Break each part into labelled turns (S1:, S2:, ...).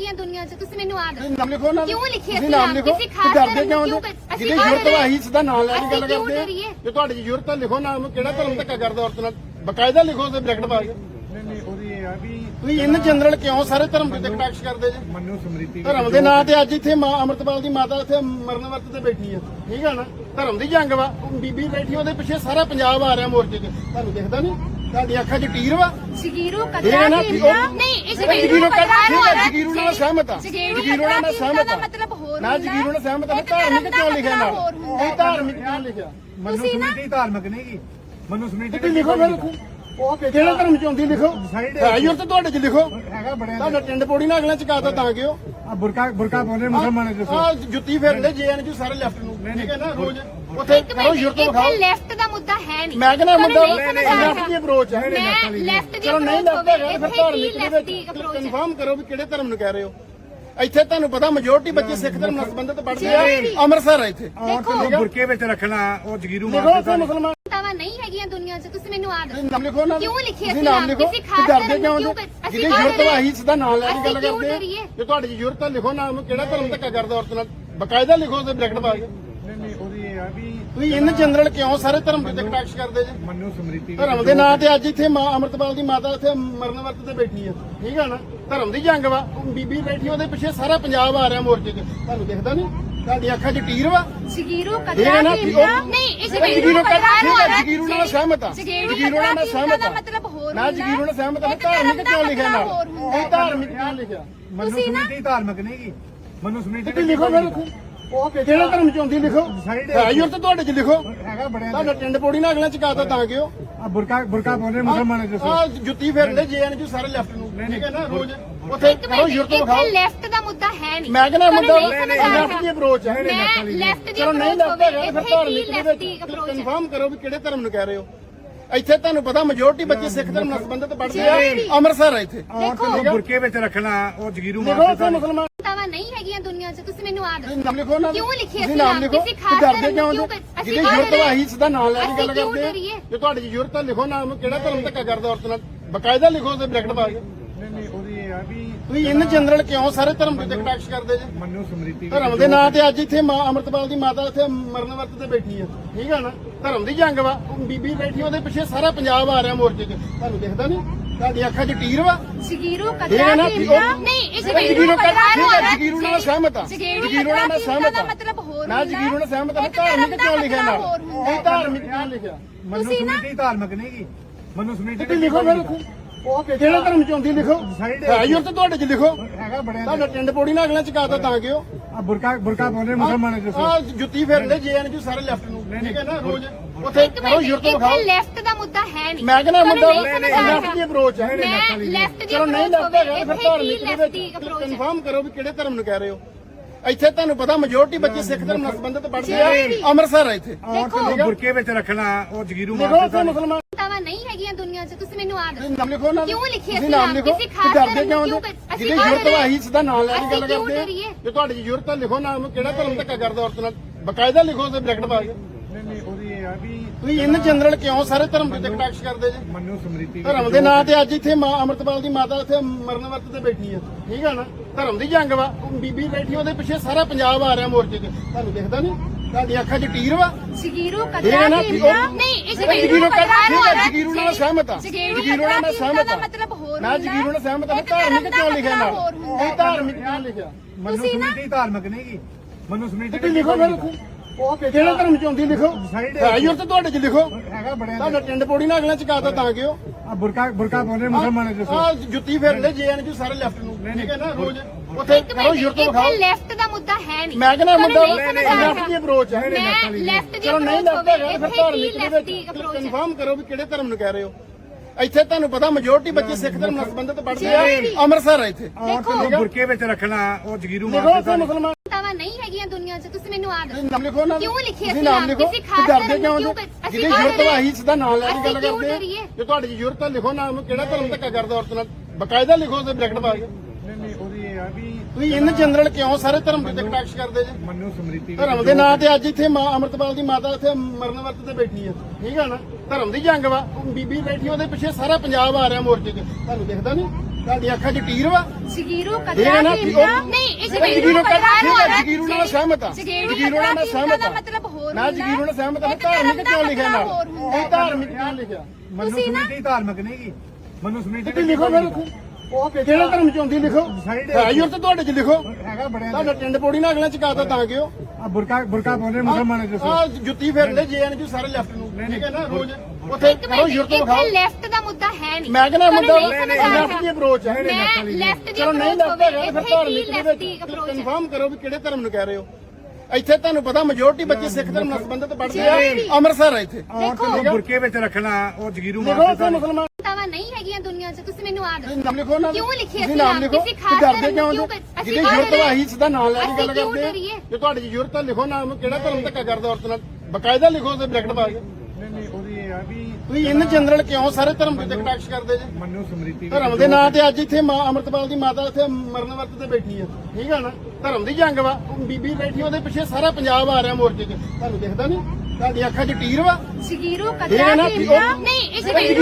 S1: ਹੈਗੀਆਂ ਦੁਨੀਆ 'ਚ, ਤੁਸੀਂ ਮੈਨੂੰ ਆ ਦੱਸੋ
S2: ਨਾਮ ਲਿਖੋ ਨਾ,
S1: ਕਿਉਂ ਲਿਖਿਆ
S2: ਤੁਸੀਂ ਨਾਮ ਲਿਖੋ,
S1: ਖਾਸ
S2: ਡਰਦੇ ਕਿਉਂ
S1: ਕਿਉਂ
S2: ਜਿਹਦੀ ਜ਼ਰੂਰਤ ਵਾ ਅਸੀਂ ਸਿੱਧਾ ਨਾਮ ਲੈ ਕੇ ਗੱਲ ਕਰਦੇ ਆ। ਜੇ ਤੁਹਾਡੀ ਜ਼ਰੂਰਤ ਹੈ ਲਿਖੋ ਨਾਮ, ਕਿਹੜਾ ਧਰਮ ਧੱਕਾ ਕਰਦਾ ਔਰਤ ਨਾਲ, ਬਕਾਇਦਾ ਲਿਖੋ ਤੇ ਬ੍ਰੈਕਟ ਪਾ ਕੇ।
S3: ਨਹੀਂ ਉਹਦੀ ਇਹ ਆ ਵੀ
S2: ਤੁਸੀਂ ਇਨ ਜਨਰਲ ਕਿਉਂ ਸਾਰੇ ਧਰਮ ਦੇ ਟੈਕਸ ਕਰਦੇ ਜੀ?
S3: ਮਨੂ ਸਮ੍ਰਿਤੀ
S2: ਧਰਮ ਦੇ ਨਾਂ ਤੇ ਅੱਜ ਇੱਥੇ ਮਾਂ ਅਮਰਤਪਾਲ ਦੀ ਮਾਤਾ ਇੱਥੇ ਮਰਨ ਵਰਤ ਤੇ ਬੈਠੀ ਆ, ਠੀਕ ਆ ਨਾ? ਧਰਮ ਦੀ ਜੰਗ ਵਾ, ਬੀਬੀ ਬੈਠੀ ਉਹਦੇ ਪਿੱਛੇ ਸਾਰਾ ਪੰਜਾਬ ਆ ਰਿਹਾ ਮੋਰਚੇ 'ਚ, ਤੁਹਾਨੂੰ ਦਿਖਦਾ ਨਹੀਂ? ਤੁਹਾਡੀ ਅੱਖਾਂ 'ਚ ਟੀਰ ਵਾ।
S1: ਜਗੀਰੂ
S2: ਇਹ
S1: ਕਤਰਾ
S2: ਨਾ
S1: ਨਹੀਂ ਇਹ
S2: ਜਗੀਰੂ ਜਗੀਰੂ ਨਾਲ ਸਹਿਮਤ ਆ,
S1: ਜਗੀਰੂ ਨਾਲ
S2: ਸਹਿਮਤ ਆ।
S1: ਮਤਲਬ ਹੋਰ
S2: ਨਾ ਜਗੀਰੂ ਨਾਲ ਸਹਿਮਤ ਆ, ਧਾਰਮਿਕ ਕਿਉਂ ਲਿਖਿਆ ਨਾਲ? ਇਹ ਧਾਰਮਿਕ ਕਿਉਂ ਲਿਖਿਆ?
S3: ਮਨੂ ਸਮ੍ਰਿਤੀ ਧਾਰਮਿਕ ਨਹੀਂ ਗੀ, ਮਨੂ ਸਮ੍ਰਿਤੀ
S2: ਤੁਸੀਂ ਲਿਖੋ ਫਿਰ, ਉਹ ਕਿਹੜਾ ਧਰਮ ਚ ਆਉਂਦੀ ਲਿਖੋ, ਹਾਈਰ ਤੇ ਤੁਹਾਡੇ ਚ ਲਿਖੋ।
S3: ਹੈਗਾ ਬੜਿਆ
S2: ਤੁਹਾਡਾ ਟਿੰਡ ਪੋੜੀ ਨਾਲ ਅਗਲਾ ਚਕਾਤਾ ਤਾਂ ਗਿਓ।
S3: ਆ ਬੁਰਕਾ ਪਾਉਂਦੇ ਮੁਸਲਮਾਨ ਦੱਸੋ।
S2: ਆ ਜੁੱਤੀ ਫੇਰਦੇ ਜੇਐਨਯੂ ਸਾਰੇ ਲੈਫਟ ਨੂੰ, ਠੀਕ ਹੈ ਨਾ? ਰੋਜ਼ ਉੱਥੇ ਕਰੋ ਯੂਰਪ ਵਿਖਾਓ।
S1: ਲੈਫਟ ਦਾ ਮੁੱਦਾ ਹੈ ਨਹੀਂ,
S2: ਮੈਂ ਕਹਿੰਦਾ ਮੁੱਦਾ ਲੈਫਟ ਦੀ ਅਪਰੋਚ ਹੈ।
S1: ਮੈਂ ਲੈਫਟ ਦੀ
S2: ਚਲੋ ਨਹੀਂ ਲੈਫਟ ਹੈਗਾ ਫਿਰ ਧਾਰਮਿਕ ਦੇ
S1: ਲੈਫਟ ਦੀ
S2: ਵਿੱਚ
S1: ਅਪਰੋਚ
S2: ਕਨਫਰਮ ਕਰੋ ਵੀ ਕਿਹੜੇ ਧਰਮ ਨੂੰ ਕਹਿ ਰਹੇ ਹੋ। ਇੱਥੇ ਤੁਹਾਨੂੰ ਪਤਾ ਮੈਜੋਰਟੀ ਬੱਚੇ ਸਿੱਖ ਧਰਮ ਨਾਲ ਸੰਬੰਧਿਤ ਪੜ੍ਹਦੇ ਆ, ਅੰਮ੍ਰਿਤਸਰ ਆ ਇੱਥੇ।
S3: ਔਰ ਬੁਰਕੇ ਵਿੱਚ ਰੱਖਣਾ ਉਹ ਜਗੀਰੂ
S2: ਦੇਖੋ ਉੱਥੇ ਮੁਸਲਮਾਨ
S1: ਤਾਵਾ ਨਹੀਂ ਹੈਗੀਆਂ ਦੁਨੀਆ 'ਚ, ਤੁਸੀਂ ਮੈਨੂੰ ਆ ਦੱਸੋ
S2: ਨਾਮ ਲਿਖੋ ਨਾ,
S1: ਕਿਉਂ ਲਿਖਿਆ
S2: ਤੁਸੀਂ ਨਾਮ ਲਿਖੋ, ਡਰਦੇ ਕਿਉਂ ਜਿਹਦੀ ਜ਼ਰੂਰਤ ਵਾ ਅਸੀਂ ਸਿੱਧਾ ਨਾਮ ਲੈ ਕੇ ਗੱਲ ਕਰਦੇ ਆ। ਜੇ ਤੁਹਾਡੀ ਜ਼ਰੂਰਤ ਹੈ ਲਿਖੋ ਨਾਮ, ਕਿਹੜਾ ਧਰਮ ਧੱਕਾ ਕਰਦਾ ਔਰਤ ਨਾਲ, ਬਕਾਇਦਾ ਲਿਖੋ ਤੇ ਬ੍ਰੈਕਟ ਪਾ ਕੇ।
S3: ਨਹੀਂ ਉਹਦੀ ਇਹ ਆ ਵੀ
S2: ਤੁਸੀਂ ਇਨ ਜਨਰਲ ਕਿਉਂ ਸਾਰੇ ਧਰਮ ਦੇ ਟੈਕਸ ਕਰਦੇ ਜੀ?
S3: ਮਨੂ ਸਮ੍ਰਿਤੀ
S2: ਧਰਮ ਦੇ ਨਾਂ ਤੇ ਅੱਜ ਇੱਥੇ ਮਾਂ ਅਮਰਤਪਾਲ ਦੀ ਮਾਤਾ ਇੱਥੇ ਮਰਨ ਵਰਤ ਤੇ ਬੈਠੀ ਆ, ਠੀਕ ਆ ਨਾ? ਧਰਮ ਦੀ ਜੰਗ ਵਾ, ਬੀਬੀ ਬੈਠੀ ਉਹਦੇ ਪਿੱਛੇ ਸਾਰਾ ਪੰਜਾਬ ਆ ਰਿਹਾ ਮੋਰਚੇ 'ਚ, ਤੁਹਾਨੂੰ ਦਿਖਦਾ ਨਹੀਂ? ਤੁਹਾਡੀ ਅੱਖਾਂ 'ਚ ਟੀਰ ਵਾ।
S1: ਜਗੀਰੂ
S2: ਇਹ
S1: ਕਤਰਾ
S2: ਨਾ
S1: ਨਹੀਂ ਇਹ
S2: ਜਗੀਰੂ ਜਗੀਰੂ ਨਾਲ ਸਹਿਮਤ ਆ, ਜਗੀਰੂ ਨਾਲ ਸਹਿਮਤ ਆ।
S1: ਮਤਲਬ ਹੋਰ
S2: ਨਾ ਜਗੀਰੂ ਨਾਲ ਸਹਿਮਤ ਆ, ਧਾਰਮਿਕ ਕਿਉਂ ਲਿਖਿਆ ਨਾਲ? ਇਹ ਧਾਰਮਿਕ ਕਿਉਂ ਲਿਖਿਆ?
S3: ਮਨੂ ਸਮ੍ਰਿਤੀ ਧਾਰਮਿਕ ਨਹੀਂ ਗੀ, ਮਨੂ ਸਮ੍ਰਿਤੀ
S2: ਤੁਸੀਂ ਲਿਖੋ ਫਿਰ, ਉਹ ਕਿਹੜਾ ਧਰਮ ਚ ਆਉਂਦੀ ਲਿਖੋ, ਹਾਈਰ ਤੇ ਤੁਹਾਡੇ ਚ ਲਿਖੋ।
S3: ਹੈਗਾ ਬੜਿਆ
S2: ਤੁਹਾਡਾ ਟਿੰਡ ਪੋੜੀ ਨਾਲ ਅਗਲਾ ਚਕਾਤਾ ਤਾਂ ਗਿਓ।
S3: ਆ ਬੁਰਕਾ ਪਾਉਂਦੇ ਮੁਸਲਮਾਨ ਦੱਸੋ।
S2: ਆ ਜੁੱਤੀ ਫੇਰਦੇ ਜੇਐਨਯੂ ਸਾਰੇ ਲੈਫਟ ਨੂੰ, ਠੀਕ ਹੈ ਨਾ? ਰੋਜ਼ ਉੱਥੇ ਕਰੋ ਯੂਰਪ ਵਿਖਾਓ।
S1: ਲੈਫਟ ਦਾ ਮੁੱਦਾ ਹੈ ਨਹੀਂ,
S2: ਮੈਂ ਕਹਿੰਦਾ ਮੁੱਦਾ ਲੈਫਟ ਦੀ ਅਪਰੋਚ ਹੈ।
S1: ਮੈਂ ਲੈਫਟ ਦੀ
S2: ਚਲੋ ਨਹੀਂ ਲੈਫਟ ਹੈਗਾ ਫਿਰ ਧਾਰਮਿਕ ਦੇ
S1: ਲੈਫਟ ਦੀ
S2: ਵਿੱਚ
S1: ਅਪਰੋਚ
S2: ਕਨਫਰਮ ਕਰੋ ਵੀ ਕਿਹੜੇ ਧਰਮ ਨੂੰ ਕਹਿ ਰਹੇ ਹੋ। ਇੱਥੇ ਤੁਹਾਨੂੰ ਪਤਾ ਮੈਜੋਰਟੀ ਬੱਚੇ ਸਿੱਖ ਧਰਮ ਨਾਲ ਸੰਬੰਧਿਤ ਪੜ੍ਹਦੇ ਆ, ਅੰਮ੍ਰਿਤਸਰ ਆ ਇੱਥੇ।
S3: ਔਰ ਬੁਰਕੇ ਵਿੱਚ ਰੱਖਣਾ ਉਹ ਜਗੀਰੂ
S2: ਦੇਖੋ ਉੱਥੇ ਮੁਸਲਮਾਨ
S1: ਤਾਵਾ ਨਹੀਂ ਹੈਗੀਆਂ ਦੁਨੀਆ 'ਚ, ਤੁਸੀਂ ਮੈਨੂੰ ਆ ਦੱਸੋ
S2: ਨਾਮ ਲਿਖੋ ਨਾ,
S1: ਕਿਉਂ ਲਿਖਿਆ
S2: ਤੁਸੀਂ ਨਾਮ ਲਿਖੋ, ਡਰਦੇ ਕਿਉਂ ਜਿਹਦੀ ਜ਼ਰੂਰਤ ਵਾ ਅਸੀਂ ਸਿੱਧਾ ਨਾਮ ਲੈ ਕੇ ਗੱਲ ਕਰਦੇ ਆ। ਜੇ ਤੁਹਾਡੀ ਜ਼ਰੂਰਤ ਹੈ ਲਿਖੋ ਨਾਮ, ਕਿਹੜਾ ਧਰਮ ਧੱਕਾ ਕਰਦਾ ਔਰਤ ਨਾਲ, ਬਕਾਇਦਾ ਲਿਖੋ ਤੇ ਬ੍ਰੈਕਟ ਪਾ ਕੇ।
S3: ਨਹੀਂ ਉਹਦੀ ਇਹ ਆ ਵੀ
S2: ਤੁਸੀਂ ਇਨ ਜਨਰਲ ਕਿਉਂ ਸਾਰੇ ਧਰਮ ਦੇ ਟੈਕਸ ਕਰਦੇ ਜੀ?
S3: ਮਨੂ ਸਮ੍ਰਿਤੀ
S2: ਧਰਮ ਦੇ ਨਾਂ ਤੇ ਅੱਜ ਇੱਥੇ ਮਾਂ ਅਮਰਤਪਾਲ ਦੀ ਮਾਤਾ ਇੱਥੇ ਮਰਨ ਵਰਤ ਤੇ ਬੈਠੀ ਆ, ਠੀਕ ਆ ਨਾ? ਧਰਮ ਦੀ ਜੰਗ ਵਾ, ਬੀਬੀ ਬੈਠੀ ਉਹਦੇ ਪਿੱਛੇ ਸਾਰਾ ਪੰਜਾਬ ਆ ਰਿਹਾ ਮੋਰਚੇ 'ਚ, ਤੁਹਾਨੂੰ ਦਿਖਦਾ ਨਹੀਂ? ਤੁਹਾਡੀ ਅੱਖਾਂ 'ਚ ਟੀਰ ਵਾ।
S1: ਜਗੀਰੂ ਕਤਰਾ
S2: ਇਹ ਨਾ
S1: ਨਹੀਂ ਇਹ
S2: ਜਗੀਰੂ ਨਾਲ ਸਹਿਮਤ ਆ, ਜਗੀਰੂ ਨਾਲ ਸਹਿਮਤ ਆ।
S1: ਮਤਲਬ ਹੋਰ
S2: ਨਾ ਜਗੀਰੂ ਨਾਲ ਸਹਿਮਤ ਆ, ਧਾਰਮਿਕ ਕਿਉਂ ਲਿਖਿਆ ਨਾਲ? ਇਹ ਧਾਰਮਿਕ ਕਿਉਂ ਲਿਖਿਆ?
S3: ਮਨੂ ਸਮ੍ਰਿਤੀ ਧਾਰਮਿਕ ਨਹੀਂ ਗੀ, ਮਨੂ ਸਮ੍ਰਿਤੀ
S2: ਤੁਸੀਂ ਲਿਖੋ ਫਿਰ, ਉਹ ਕਿਹੜਾ ਧਰਮ ਚ ਆਉਂਦੀ ਲਿਖੋ, ਹਾਈਰ ਤੇ ਤੁਹਾਡੇ ਚ ਲਿਖੋ।
S3: ਹੈਗਾ ਬੜਿਆ
S2: ਤੁਹਾਡਾ ਟਿੰਡ ਪੋੜੀ ਨਾਲ ਅਗਲਾ ਚਕਾਤਾ ਤਾਂ ਗਿਓ।
S3: ਆ ਬੁਰਕਾ ਪਾਉਂਦੇ ਮੁਸਲਮਾਨ ਦੱਸੋ।
S2: ਆ ਜੁੱਤੀ ਫੇਰਦੇ ਜੇਐਨਯੂ ਸਾਰੇ ਲੈਫਟ ਨੂੰ, ਠੀਕ ਹੈ ਨਾ? ਰੋਜ਼ ਉੱਥੇ ਕਰੋ ਯੂਰਪ ਵਿਖਾਓ।
S1: ਲੈਫਟ ਦਾ ਮੁੱਦਾ ਹੈ ਨਹੀਂ,
S2: ਮੈਂ ਕਹਿੰਦਾ ਮੁੱਦਾ ਲੈਫਟ ਦੀ ਅਪਰੋਚ ਹੈ।
S1: ਮੈਂ ਲੈਫਟ ਦੀ
S2: ਚਲੋ ਨਹੀਂ ਲੈਫਟ ਹੈਗਾ ਫਿਰ ਧਾਰਮਿਕ ਦੇ
S1: ਲੈਫਟ ਦੀ
S2: ਵਿੱਚ
S1: ਅਪਰੋਚ
S2: ਕਨਫਰਮ ਕਰੋ ਵੀ ਕਿਹੜੇ ਧਰਮ ਨੂੰ ਕਹਿ ਰਹੇ ਹੋ। ਇੱਥੇ ਤੁਹਾਨੂੰ ਪਤਾ ਮੈਜੋਰਟੀ ਬੱਚੇ ਸਿੱਖ ਧਰਮ ਨਾਲ ਸੰਬੰਧਿਤ ਪੜ੍ਹਦੇ ਆ, ਅੰਮ੍ਰਿਤਸਰ ਆ ਇੱਥੇ।
S3: ਔਰ ਬੁਰਕੇ ਵਿੱਚ ਰੱਖਣਾ ਉਹ ਜਗੀਰੂ
S2: ਦੇਖੋ ਉੱਥੇ ਮੁਸਲਮਾਨ
S1: ਤਾਵਾ ਨਹੀਂ ਹੈਗੀਆਂ ਦੁਨੀਆ 'ਚ, ਤੁਸੀਂ ਮੈਨੂੰ ਆ ਦੱਸੋ
S2: ਨਾਮ ਲਿਖੋ ਨਾ,
S1: ਕਿਉਂ ਲਿਖਿਆ
S2: ਤੁਸੀਂ ਨਾਮ ਲਿਖੋ, ਡਰਦੇ ਕਿਉਂ ਜਿਹਦੀ ਜ਼ਰੂਰਤ ਵਾ ਅਸੀਂ ਸਿੱਧਾ ਨਾਮ ਲੈ ਕੇ ਗੱਲ ਕਰਦੇ ਆ। ਜੇ ਤੁਹਾਡੀ ਜ਼ਰੂਰਤ ਹੈ ਲਿਖੋ ਨਾਮ, ਕਿਹੜਾ ਧਰਮ ਧੱਕਾ ਕਰਦਾ ਔਰਤ ਨਾਲ, ਬਕਾਇਦਾ ਲਿਖੋ ਤੇ ਬ੍ਰੈਕਟ ਪਾ ਕੇ।
S3: ਨਹੀਂ ਉਹਦੀ ਇਹ ਆ ਵੀ
S2: ਤੁਸੀਂ ਇਨ ਜਨਰਲ ਕਿਉਂ ਸਾਰੇ ਧਰਮ ਦੇ ਟੈਕਸ ਕਰਦੇ ਜੀ?
S3: ਮਨੂ ਸਮ੍ਰਿਤੀ
S2: ਧਰਮ ਦੇ ਨਾਂ ਤੇ ਅੱਜ ਇੱਥੇ ਮਾਂ ਅਮਰਤਪਾਲ ਦੀ ਮਾਤਾ ਇੱਥੇ ਮਰਨ ਵਰਤ ਤੇ ਬੈਠੀ ਆ, ਠੀਕ ਆ ਨਾ? ਧਰਮ ਦੀ ਜੰਗ ਵਾ, ਬੀਬੀ ਬੈਠੀ ਉਹਦੇ ਪਿੱਛੇ ਸਾਰਾ ਪੰਜਾਬ ਆ ਰਿਹਾ ਮੋਰਚੇ 'ਚ, ਤੁਹਾਨੂੰ ਦਿਖਦਾ ਨਹੀਂ? ਤੁਹਾਡੀ ਅੱਖਾਂ 'ਚ ਟੀਰ ਵਾ।
S1: ਜਗੀਰੂ
S2: ਇਹ
S1: ਕਤਰਾ
S2: ਨਾ
S1: ਨਹੀਂ ਇਹ
S2: ਜਗੀਰੂ ਨਾਲ ਸਹਿਮਤ ਆ, ਜਗੀਰੂ ਨਾਲ ਸਹਿਮਤ ਆ।
S1: ਮਤਲਬ ਹੋਰ
S2: ਨਾ ਜਗੀਰੂ ਨਾਲ ਸਹਿਮਤ ਆ, ਧਾਰਮਿਕ ਕਿਉਂ ਲਿਖਿਆ ਨਾਲ? ਇਹ ਧਾਰਮਿਕ ਕਿਉਂ ਲਿਖਿਆ?
S3: ਮਨੂ ਸਮ੍ਰਿਤੀ ਧਾਰਮਿਕ ਨਹੀਂ ਗੀ, ਮਨੂ ਸਮ੍ਰਿਤੀ
S2: ਤੁਸੀਂ ਲਿਖੋ ਫਿਰ, ਉਹ ਕਿਹੜਾ ਧਰਮ ਚ ਆਉਂਦੀ ਲਿਖੋ, ਹਾਈਰ ਤੇ ਤੁਹਾਡੇ ਚ ਲਿਖੋ।
S3: ਹੈਗਾ ਬੜਿਆ
S2: ਤੁਹਾਡਾ ਟਿੰਡ ਪੋੜੀ ਨਾਲ ਅਗਲਾ ਚਕਾਤਾ ਤਾਂ ਗਿਓ।
S3: ਆ ਬੁਰਕਾ ਪਾਉਂਦੇ ਮੁਸਲਮਾਨ ਦੱਸੋ।
S2: ਆ ਜੁੱਤੀ ਫੇਰਦੇ ਜੇਐਨਯੂ ਸਾਰੇ ਲੈਫਟ ਨੂੰ, ਠੀਕ ਹੈ ਨਾ? ਰੋਜ਼ ਉੱਥੇ ਕਰੋ ਯੂਰਪ ਵਿਖਾਓ।
S1: ਲੈਫਟ ਦਾ ਮੁੱਦਾ ਹੈ ਨਹੀਂ,
S2: ਮੈਂ ਕਹਿੰਦਾ ਮੁੱਦਾ ਲੈਫਟ ਦੀ ਅਪਰੋਚ ਹੈ।
S1: ਮੈਂ ਲੈਫਟ ਦੀ
S2: ਚਲੋ ਨਹੀਂ ਲੈਫਟ ਹੈਗਾ ਫਿਰ ਧਾਰਮਿਕ ਦੇ
S1: ਲੈਫਟ ਦੀ
S2: ਵਿੱਚ
S1: ਅਪਰੋਚ
S2: ਕਨਫਰਮ ਕਰੋ ਵੀ ਕਿਹੜੇ ਧਰਮ ਨੂੰ ਕਹਿ ਰਹੇ ਹੋ। ਇੱਥੇ ਤੁਹਾਨੂੰ ਪਤਾ ਮੈਜੋਰਟੀ ਬੱਚੇ ਸਿੱਖ ਧਰਮ ਨਾਲ ਸੰਬੰਧਿਤ ਪੜ੍ਹਦੇ ਆ, ਅੰਮ੍ਰਿਤਸਰ ਆ ਇੱਥੇ।
S3: ਔਰ ਬੁਰਕੇ ਵਿੱਚ ਰੱਖਣਾ ਉਹ ਜਗੀਰੂ
S2: ਦੇਖੋ ਉੱਥੇ ਮੁਸਲਮਾਨ
S1: ਤਾਵਾ ਨਹੀਂ ਹੈਗੀਆਂ ਦੁਨੀਆ 'ਚ, ਤੁਸੀਂ ਮੈਨੂੰ ਆ ਦੱਸੋ
S2: ਨਾਮ ਲਿਖੋ ਨਾ,
S1: ਕਿਉਂ ਲਿਖਿਆ
S2: ਤੁਸੀਂ ਨਾਮ ਲਿਖੋ, ਡਰਦੇ ਕਿਉਂ ਜਿਹਦੀ ਜ਼ਰੂਰਤ ਵਾ ਅਸੀਂ ਸਿੱਧਾ ਨਾਮ ਲੈ ਕੇ ਗੱਲ ਕਰਦੇ ਆ। ਜੇ ਤੁਹਾਡੀ ਜ਼ਰੂਰਤ ਹੈ ਲਿਖੋ ਨਾਮ, ਕਿਹੜਾ ਧਰਮ ਧੱਕਾ ਕਰਦਾ ਔਰਤ ਨਾਲ, ਬਕਾਇਦਾ ਲਿਖੋ ਤੇ ਬ੍ਰੈਕਟ ਪਾ ਕੇ।
S3: ਨਹੀਂ ਉਹਦੀ ਇਹ ਆ ਵੀ
S2: ਤੁਸੀਂ ਇਨ ਜਨਰਲ ਕਿਉਂ ਸਾਰੇ ਧਰਮ ਦੇ ਟੈਕਸ ਕਰਦੇ ਜੀ?
S3: ਮਨੂ ਸਮ੍ਰਿਤੀ
S2: ਧਰਮ ਦੇ ਨਾਂ ਤੇ ਅੱਜ ਇੱਥੇ ਮਾਂ ਅਮਰਤਪਾਲ ਦੀ ਮਾਤਾ ਇੱਥੇ ਮਰਨ ਵਰਤ ਤੇ ਬੈਠੀ ਆ, ਠੀਕ ਆ ਨਾ? ਧਰਮ ਦੀ ਜੰਗ ਵਾ, ਬੀਬੀ ਬੈਠੀ ਉਹਦੇ ਪਿੱਛੇ ਸਾਰਾ ਪੰਜਾਬ ਆ ਰਿਹਾ ਮੋਰਚੇ 'ਚ, ਤੁਹਾਨੂੰ ਦਿਖਦਾ ਨਹੀਂ? ਤੁਹਾਡੀ ਅੱਖਾਂ 'ਚ ਟੀਰ ਵਾ
S1: ਜਗੀਰੂ
S2: ਇਹ
S1: ਕਤਰਾ
S2: ਨਾ
S1: ਨਹੀਂ ਇਹ
S2: ਜਗੀਰੂ ਜਗੀਰੂ ਨਾਲ ਸਹਿਮਤ ਆ
S1: ਜਗੀਰੂ
S2: ਜਗੀਰੂ ਨਾਲ ਸਹਿਮਤ ਆ
S1: ਮਤਲਬ ਹੋਰ
S2: ਨਾ ਜਗੀਰੂ ਨਾਲ ਸਹਿਮਤ ਆ ਧਾਰਮਿਕ ਕਿਉਂ ਲਿਖਿਆ ਨਾਲ ਇਹ ਧਾਰਮਿਕ ਕਿਉਂ ਲਿਖਿਆ
S3: ਮਨੂ ਸਮ੍ਰਿਤੀ ਧਾਰਮਿਕ ਨਹੀਂ ਗੀ ਮਨੂ ਸਮ੍ਰਿਤੀ
S2: ਤੁਸੀਂ ਲਿਖੋ ਫਿਰ ਉਹ ਕਿਹੜਾ ਧਰਮ ਚ ਆਉਂਦੀ ਲਿਖੋ ਹੈ ਯੂਰ ਤੇ ਤੁਹਾਡੇ ਚ ਲਿਖੋ
S3: ਹੈਗਾ ਬੜਿਆ
S2: ਤੁਹਾਡਾ ਟਿੰਡ ਪੋੜੀ ਨਾਲ ਅਗਲਾ ਚਕਾਤਾ ਤਾਂ ਕਿਉਂ
S3: ਆ ਬੁਰਕਾ ਪਾਉਂਦੇ ਮੁਸਲਮਾਨ ਦੱਸੋ
S2: ਆ ਜੁੱਤੀ ਫੇਰਦੇ ਜੇਐਨਯੂ ਸਾਰੇ ਲੈਫਟ ਨੂੰ ਠੀਕ ਹੈ ਨਾ ਰੋਜ਼ ਉੱਥੇ ਕਰੋ ਯੂਰ ਤੋਂ ਵਿਖਾਓ
S1: ਲੈਫਟ ਦਾ ਮੁੱਦਾ ਹੈ ਨਹੀਂ
S2: ਮੈਂ ਕਹਿੰਦਾ ਮੁੱਦਾ ਲੈਫਟ ਦੀ ਅਪਰੋਚ ਹੈ
S1: ਮੈਂ ਲੈਫਟ ਦੀ
S2: ਚਲੋ ਨਹੀਂ ਲੈਫਟ ਹੈਗਾ ਫਿਰ ਧਾਰਮਿਕ ਦੇ
S1: ਲੈਫਟ ਦੀ
S2: ਵਿੱਚ
S1: ਅਪਰੋਚ
S2: ਕਨਫਰਮ ਕਰੋ ਵੀ ਕਿਹੜੇ ਧਰਮ ਨੂੰ ਕਹਿ ਰਹੇ ਹੋ ਇੱਥੇ ਤੁਹਾਨੂੰ ਪਤਾ ਮੈਜੋਰਟੀ ਬੱਚੇ ਸਿੱਖ ਧਰਮ ਨਾਲ ਸੰਬੰਧਿਤ ਪੜ੍ਹਦੇ ਆ ਅੰਮ੍ਰਿਤਸਰ ਆ ਇੱਥੇ
S3: ਔਰਤ ਨੂੰ ਬੁਰਕੇ ਵਿੱਚ ਰੱਖਣਾ ਉਹ ਜਗੀਰੂ
S2: ਲਿਖੋ
S3: ਮਾਰਦੇ
S2: ਉੱਥੇ ਮੁਸਲਮਾਨ
S1: ਤਾਵਾ ਨਹੀਂ ਹੈਗੀਆਂ ਦੁਨੀਆ 'ਚ ਤੁਸੀਂ ਮੈਨੂੰ ਆ ਦੱਸੋ
S2: ਨਾਮ ਲਿਖੋ ਨਾ
S1: ਕਿਉਂ ਲਿਖਿਆ
S2: ਤੁਸੀਂ ਨਾਮ ਲਿਖੋ
S1: ਕਿਸੇ ਖਾਸ
S2: ਡਰਦੇ
S1: ਧਰਮ
S2: ਕਿਉਂ
S1: ਨੂੰ
S2: ਜੇ
S1: ਅਸੀਂ
S2: ਜਿਹਦੀ ਜ਼ਰੂਰਤ ਵਾ ਅਸੀਂ ਸਿੱਧਾ ਨਾਮ ਲੈ ਕੇ ਗੱਲ
S1: ਅਸੀਂ ਕਿਉਂ
S2: ਕਰਦੇ ਆ
S1: ਡਰੀਏ?
S2: ਜੇ ਤੁਹਾਡੀ ਜ਼ਰੂਰਤ ਆ ਲਿਖੋ ਨਾਮ ਕਿਹੜਾ ਧਰਮ ਧੱਕਾ ਕਰਦਾ ਔਰਤ ਨਾਲ ਬਕਾਇਦਾ ਲਿਖੋ ਤੇ ਬ੍ਰੈਕਟ ਪਾ ਕੇ
S3: ਨਹੀਂ ਉਹਦੀ ਇਹ ਆ ਵੀ
S2: ਤੁਸੀਂ ਇਨ ਜਨਰਲ ਕਿਉਂ ਸਾਰੇ ਧਰਮ ਦੇ ਟੈਕਸ ਕਰਦੇ ਜੀ
S3: ਮਨੂ ਸਮ੍ਰਿਤੀ
S2: ਧਰਮ ਦੇ ਨਾਂ ਤੇ ਅੱਜ ਇੱਥੇ ਮਾਂ ਅੰਮ੍ਰਿਤਪਾਲ ਦੀ ਮਾਤਾ ਇੱਥੇ ਮਰਨ ਵਰਤ ਤੇ ਬੈਠੀ ਆ ਠੀਕ ਆ ਨਾ ਧਰਮ ਦੀ ਜੰਗ ਵਾ ਉਹ ਬੀਬੀ ਬੈਠੀ ਉਹਦੇ ਪਿੱਛੇ ਸਾਰਾ ਪੰਜਾਬ ਆ ਰਿਹਾ ਮੋਰਚੇ 'ਚ ਤੁਹਾਨੂੰ ਦਿਖਦਾ ਨਹੀਂ ਤੁਹਾਡੀ ਅੱਖਾਂ 'ਚ ਟੀਰ ਵਾ
S1: ਜਗੀਰੂ
S2: ਇਹ
S1: ਕਤਰਾ
S2: ਨਾ
S1: ਨਹੀਂ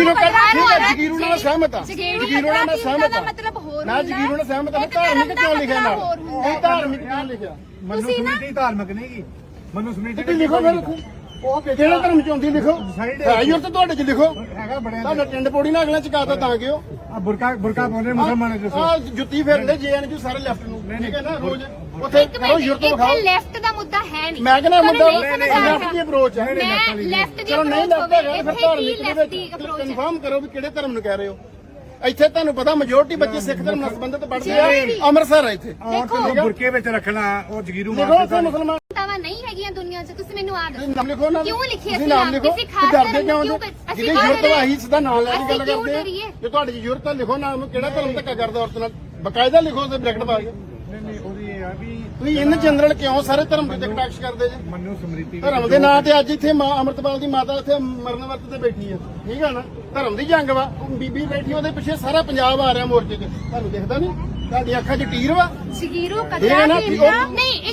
S2: ਜਗੀਰੂ ਨਾਲ ਸਹਿਮਤ ਆ ਜਗੀਰੂ ਨਾਲ ਸਹਿਮਤ ਆ
S1: ਮਤਲਬ ਹੋਰ
S2: ਨਾ ਜਗੀਰੂ ਨਾਲ ਸਹਿਮਤ ਆ ਧਾਰਮਿਕ ਕਿਉਂ ਲਿਖਿਆ ਨਾਲ ਇਹ ਧਾਰਮਿਕ ਕਿਉਂ ਲਿਖਿਆ
S3: ਮਨੂ ਸਮ੍ਰਿਤੀ ਧਾਰਮਿਕ ਨਹੀਂ ਗੀ ਮਨੂ ਸਮ੍ਰਿਤੀ
S2: ਤੁਸੀਂ ਲਿਖੋ ਫਿਰ ਉਹ ਕਿਹੜਾ ਧਰਮ ਚ ਆਉਂਦੀ ਲਿਖੋ ਹੈ ਯੂਰ ਤੇ ਤੁਹਾਡੇ ਚ ਲਿਖੋ
S3: ਹੈਗਾ ਬੜਿਆ
S2: ਤੁਹਾਡਾ ਟਿੰਡ ਪੋੜੀ ਨਾਲ ਅਗਲਾ ਚਕਾਤਾ ਤਾਂ ਕਿਉਂ
S3: ਆ ਬੁਰਕਾ ਪਾਉਂਦੇ ਮੁਸਲਮਾਨ ਦੱਸੋ
S2: ਆ ਜੁੱਤੀ ਫੇਰਦੇ ਜੇਐਨਯੂ ਸਾਰੇ ਲੈਫਟ ਨੂੰ ਠੀਕ ਹੈ ਨਾ ਰੋਜ਼ ਉੱਥੇ ਕਰੋ ਯੂਰ ਤੋਂ ਵਿਖਾਓ
S1: ਲੈਫਟ ਦਾ ਮੁੱਦਾ ਹੈ ਨਹੀਂ
S2: ਮੈਂ ਕਹਿੰਦਾ ਮੁੱਦਾ ਲੈਫਟ ਦੀ ਅਪਰੋਚ ਹੈ
S1: ਮੈਂ ਲੈਫਟ ਦੀ
S2: ਚਲੋ ਨਹੀਂ ਲੈਫਟ ਹੈਗਾ ਫਿਰ ਧਾਰਮਿਕ ਦੇ
S1: ਲੈਫਟ ਦੀ
S2: ਵਿੱਚ
S1: ਅਪਰੋਚ
S2: ਕਨਫਰਮ ਕਰੋ ਵੀ ਕਿਹੜੇ ਧਰਮ ਨੂੰ ਕਹਿ ਰਹੇ ਹੋ ਇੱਥੇ ਤੁਹਾਨੂੰ ਪਤਾ ਮੈਜੋਰਟੀ ਬੱਚੇ ਸਿੱਖ ਧਰਮ ਨਾਲ ਸੰਬੰਧਿਤ ਪੜ੍ਹਦੇ ਆ ਅੰਮ੍ਰਿਤਸਰ ਆ ਇੱਥੇ
S3: ਔਰਤ ਨੂੰ ਬੁਰਕੇ ਵਿੱਚ ਰੱਖਣਾ ਉਹ ਜਗੀਰੂ
S2: ਲਿਖੋ
S3: ਮਾਰਦੇ
S2: ਉੱਥੇ ਮੁਸਲਮਾਨ
S1: ਤਾਵਾ ਨਹੀਂ ਹੈਗੀਆਂ ਦੁਨੀਆ 'ਚ ਤੁਸੀਂ ਮੈਨੂੰ ਆ ਦੱਸੋ
S2: ਨਾਮ ਲਿਖੋ ਨਾ
S1: ਕਿਉਂ ਲਿਖਿਆ
S2: ਤੁਸੀਂ ਨਾਮ ਲਿਖੋ
S1: ਕਿਸੇ ਖਾਸ
S2: ਡਰਦੇ ਕਿਉਂ
S1: ਧਰਮ
S2: ਜੇ
S1: ਅਸੀਂ
S2: ਜਿਹਦੀ ਜ਼ਰੂਰਤ ਵਾ ਅਸੀਂ ਸਿੱਧਾ ਨਾਮ ਲੈ ਕੇ ਗੱਲ
S1: ਅਸੀਂ ਕਿਉਂ
S2: ਕਰਦੇ ਆ
S1: ਡਰੀਏ?
S2: ਜੇ ਤੁਹਾਡੀ ਜ਼ਰੂਰਤ ਆ ਲਿਖੋ ਨਾਮ ਕਿਹੜਾ ਧਰਮ ਧੱਕਾ ਕਰਦਾ ਔਰਤ ਨਾਲ ਬਕਾਇਦਾ ਲਿਖੋ ਤੇ ਬ੍ਰੈਕਟ ਪਾ ਕੇ
S3: ਨਹੀਂ ਉਹਦੀ ਇਹ ਆ ਵੀ
S2: ਤੁਸੀਂ ਇਨ ਜਨਰਲ ਕਿਉਂ ਸਾਰੇ ਧਰਮ ਦੇ ਟੈਕਸ ਕਰਦੇ ਜੀ
S3: ਮਨੂ ਸਮ੍ਰਿਤੀ
S2: ਧਰਮ ਦੇ ਨਾਂ ਤੇ ਅੱਜ ਇੱਥੇ ਮਾਂ ਅੰਮ੍ਰਿਤਪਾਲ ਦੀ ਮਾਤਾ ਇੱਥੇ ਮਰਨ ਵਰਤ ਤੇ ਬੈਠੀ ਆ ਠੀਕ ਆ ਨਾ ਧਰਮ ਦੀ ਜੰਗ ਵਾ ਉਹ ਬੀਬੀ ਬੈਠੀ ਉਹਦੇ ਪਿੱਛੇ ਸਾਰਾ ਪੰਜਾਬ ਆ ਰਿਹਾ ਮੋਰਚੇ 'ਚ ਤੁਹਾਨੂੰ ਦਿਖਦਾ ਨਹੀਂ ਤੁਹਾਡੀ ਅੱਖਾਂ 'ਚ ਟੀਰ ਵਾ
S1: ਜਗੀਰੂ
S2: ਇਹ
S1: ਕਤਰਾ
S2: ਨਾ
S1: ਨਹੀਂ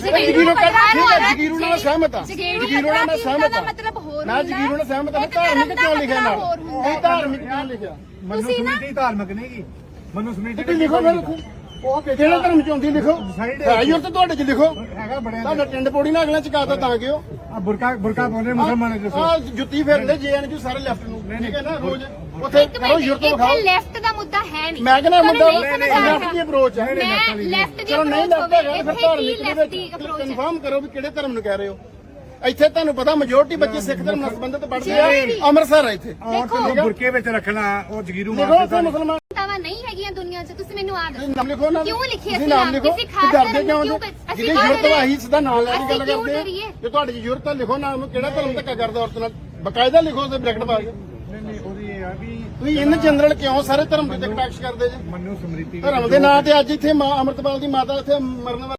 S2: ਜਗੀਰੂ ਨਾਲ ਸਹਿਮਤ ਆ ਜਗੀਰੂ ਨਾਲ ਸਹਿਮਤ ਆ
S1: ਮਤਲਬ ਹੋਰ
S2: ਨਾ ਜਗੀਰੂ ਨਾਲ ਸਹਿਮਤ ਆ ਧਾਰਮਿਕ ਕਿਉਂ ਲਿਖਿਆ ਨਾਲ ਇਹ ਧਾਰਮਿਕ ਕਿਉਂ ਲਿਖਿਆ
S3: ਮਨੂ ਸਮ੍ਰਿਤੀ ਧਾਰਮਿਕ ਨਹੀਂ ਗੀ ਮਨੂ ਸਮ੍ਰਿਤੀ
S2: ਤੁਸੀਂ ਲਿਖੋ ਫਿਰ ਉਹ ਕਿਹੜਾ ਧਰਮ ਚ ਆਉਂਦੀ ਲਿਖੋ ਹੈ ਯੂਰ ਤੇ ਤੁਹਾਡੇ ਚ ਲਿਖੋ
S3: ਹੈਗਾ ਬੜਿਆ
S2: ਤੁਹਾਡਾ ਟਿੰਡ ਪੋੜੀ ਨਾਲ ਅਗਲਾ ਚਕਾਤਾ ਤਾਂ ਕਿਉਂ
S3: ਆ ਬੁਰਕਾ ਪਾਉਂਦੇ ਮੁਸਲਮਾਨ ਦੱਸੋ
S2: ਆ ਜੁੱਤੀ ਫੇਰਦੇ ਜੇਐਨਯੂ ਸਾਰੇ ਲੈਫਟ ਨੂੰ ਠੀਕ ਹੈ ਨਾ ਰੋਜ਼ ਉੱਥੇ ਕਰੋ ਯੂਰ ਤੋਂ ਵਿਖਾਓ
S1: ਲੈਫਟ ਦਾ ਮੁੱਦਾ ਹੈ ਨਹੀਂ
S2: ਮੈਂ ਕਹਿੰਦਾ ਮੁੱਦਾ ਲੈਫਟ ਦੀ ਅਪਰੋਚ ਹੈ
S1: ਮੈਂ ਲੈਫਟ ਦੀ
S2: ਚਲੋ ਨਹੀਂ ਲੈਫਟ ਹੈਗਾ ਫਿਰ ਧਾਰਮਿਕ ਦੇ
S1: ਲੈਫਟ ਦੀ
S2: ਵਿੱਚ
S1: ਅਪਰੋਚ
S2: ਕਨਫਰਮ ਕਰੋ ਵੀ ਕਿਹੜੇ ਧਰਮ ਨੂੰ ਕਹਿ ਰਹੇ ਹੋ ਇੱਥੇ ਤੁਹਾਨੂੰ ਪਤਾ ਮੈਜੋਰਟੀ ਬੱਚੇ ਸਿੱਖ ਧਰਮ ਨਾਲ ਸੰਬੰਧਿਤ ਪੜ੍ਹਦੇ ਆ ਅੰਮ੍ਰਿਤਸਰ ਆ ਇੱਥੇ
S3: ਔਰਤ ਨੂੰ ਬੁਰਕੇ ਵਿੱਚ ਰੱਖਣਾ ਉਹ ਜਗੀਰੂ
S2: ਲਿਖੋ
S3: ਮਾਰਦੇ
S2: ਉੱਥੇ ਮੁਸਲਮਾਨ
S1: ਤਾਵਾ ਨਹੀਂ ਹੈਗੀਆਂ ਦੁਨੀਆ 'ਚ ਤੁਸੀਂ ਮੈਨੂੰ ਆ ਦੱਸੋ
S2: ਨਾਮ ਲਿਖੋ ਨਾ
S1: ਕਿਉਂ ਲਿਖਿਆ
S2: ਤੁਸੀਂ ਨਾਮ ਲਿਖੋ
S1: ਕਿਸੇ ਖਾਸ
S2: ਡਰਦੇ
S1: ਧਰਮ
S2: ਕਿਉਂ
S1: ਨੂੰ
S2: ਜੇ
S1: ਅਸੀਂ
S2: ਜਿਹਦੀ ਜ਼ਰੂਰਤ ਵਾ ਅਸੀਂ ਸਿੱਧਾ ਨਾਮ ਲੈ ਕੇ ਗੱਲ
S1: ਅਸੀਂ ਕਿਉਂ
S2: ਕਰਦੇ ਆ
S1: ਡਰੀਏ?
S2: ਜੇ ਤੁਹਾਡੀ ਜ਼ਰੂਰਤ ਆ ਲਿਖੋ ਨਾਮ ਕਿਹੜਾ ਧਰਮ ਧੱਕਾ ਕਰਦਾ ਔਰਤ ਨਾਲ ਬਕਾਇਦਾ ਲਿਖੋ ਤੇ ਬ੍ਰੈਕਟ ਪਾ ਕੇ
S3: ਨਹੀਂ ਉਹਦੀ ਇਹ ਆ ਵੀ
S2: ਤੁਸੀਂ ਇਨ ਜਨਰਲ ਕਿਉਂ ਸਾਰੇ ਧਰਮ ਦੇ ਟੈਕਸ ਕਰਦੇ ਜੀ
S3: ਮਨੂ ਸਮ੍ਰਿਤੀ
S2: ਧਰਮ ਦੇ ਨਾਂ ਤੇ ਅੱਜ ਇੱਥੇ ਮਾਂ ਅੰਮ੍ਰਿਤਪਾਲ ਦੀ ਮਾਤਾ ਇੱਥੇ ਮਰਨ